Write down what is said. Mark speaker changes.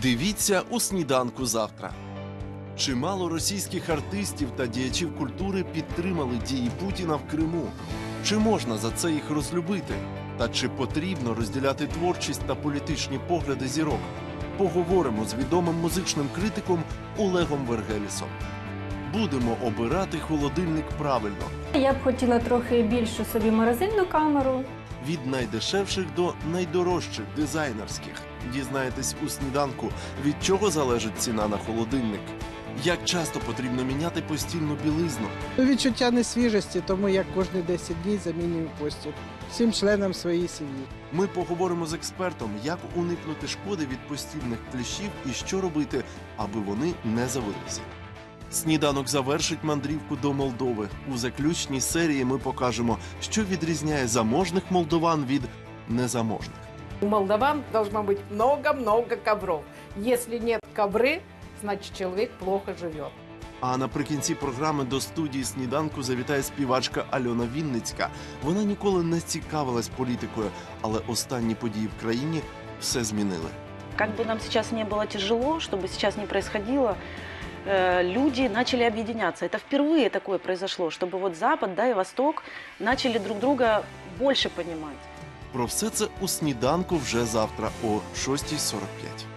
Speaker 1: Дивіться у «Сніданку завтра». Чимало російських артистів та діячів культури підтримали дії Путіна в Криму. Чи можна за це їх розлюбити? Та чи потрібно розділяти творчість та політичні погляди зірок? Поговоримо з відомим музичним критиком Олегом Вергелісом. Будемо обирати холодильник правильно.
Speaker 2: Я б хотіла трохи більшу собі морозильну камеру.
Speaker 1: Від найдешевших до найдорожчих, дизайнерських. Дізнаєтесь у «Сніданку», від чого залежить ціна на холодильник. Як часто потрібно міняти постільну білизну?
Speaker 3: Відчуття несвіжості, тому як кожні 10 днів замінюю постіль всім членам своєї сім'ї.
Speaker 1: Ми поговоримо з експертом, як уникнути шкоди від постільних кліщів і що робити, аби вони не завелися. «Сніданок» завершить мандрівку до Молдови. У заключній серії ми покажемо, що відрізняє заможних молдован від незаможних.
Speaker 4: У молдаван должно быть много-много ковров. Если нет ковры, значит человек плохо живет.
Speaker 1: А наприкінці програми до студії «Сніданку» завітає співачка Альона Вінницька. Вона ніколи не цікавилась політикою, але останні події в країні все змінили.
Speaker 5: Как бы нам сейчас не было тяжело, что бы сейчас ни происходило, люди начали объединяться. Это впервые такое произошло, чтобы вот Запад, да, и Восток начали друг друга больше понимать.
Speaker 1: Про все це у «Сніданку» вже завтра о 6:45.